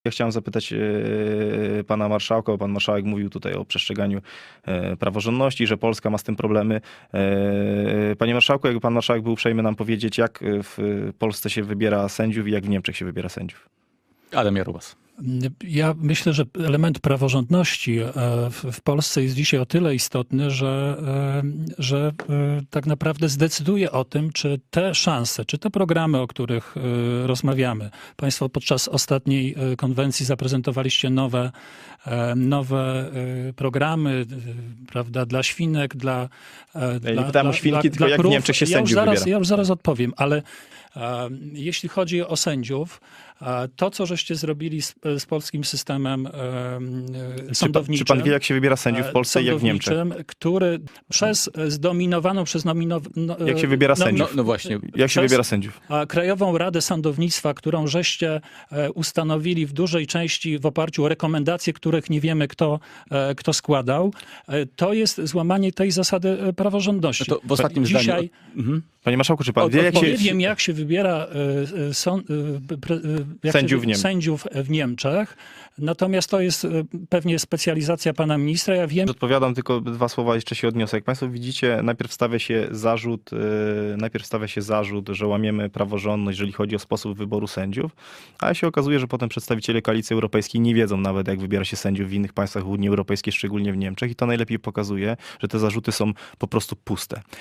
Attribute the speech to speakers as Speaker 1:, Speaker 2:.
Speaker 1: Ja chciałem zapytać pana marszałka, bo pan marszałek mówił tutaj o przestrzeganiu praworządności, że Polska ma z tym problemy. Panie marszałku, jakby pan marszałek był uprzejmy nam powiedzieć, jak w Polsce się wybiera sędziów i jak w Niemczech się wybiera sędziów.
Speaker 2: Adam Jarubas.
Speaker 3: Ja myślę, że element praworządności w Polsce jest dzisiaj o tyle istotny, że tak naprawdę zdecyduje o tym, czy te szanse, czy te programy, o których rozmawiamy. Państwo podczas ostatniej konwencji zaprezentowaliście nowe programy, prawda, dla świnek,
Speaker 1: Ja nie pytałem o świnki, tylko jak w Niemczech się sędziów wybiera.
Speaker 3: Ja już zaraz odpowiem, ale jeśli chodzi o sędziów, to, co żeście zrobili z polskim systemem sądowniczym...
Speaker 1: Czy pan wie, jak się wybiera sędziów w Polsce i jak w Niemczech?
Speaker 3: Który
Speaker 1: Jak się wybiera sędziów?
Speaker 2: No właśnie.
Speaker 1: Jak się wybiera sędziów?
Speaker 3: Krajową Radę Sądownictwa, którą żeście ustanowili w dużej części w oparciu o rekomendacje, których nie wiemy, kto składał, to jest złamanie tej zasady praworządności.
Speaker 2: No to w ostatnim zdaniu...
Speaker 1: Panie marszałku, czy pan wie, jak się...
Speaker 3: Nie wiem, jak się wybiera sędziów w Niemczech, natomiast to jest pewnie specjalizacja pana ministra. Ja wiem...
Speaker 1: Odpowiadam, tylko dwa słowa jeszcze się odniosę. Jak państwo widzicie, najpierw stawia się zarzut, że łamiemy praworządność, jeżeli chodzi o sposób wyboru sędziów, a się okazuje, że potem przedstawiciele Koalicji Europejskiej nie wiedzą nawet, jak wybiera się sędziów w innych państwach Unii Europejskiej, szczególnie w Niemczech, i to najlepiej pokazuje, że te zarzuty są po prostu puste.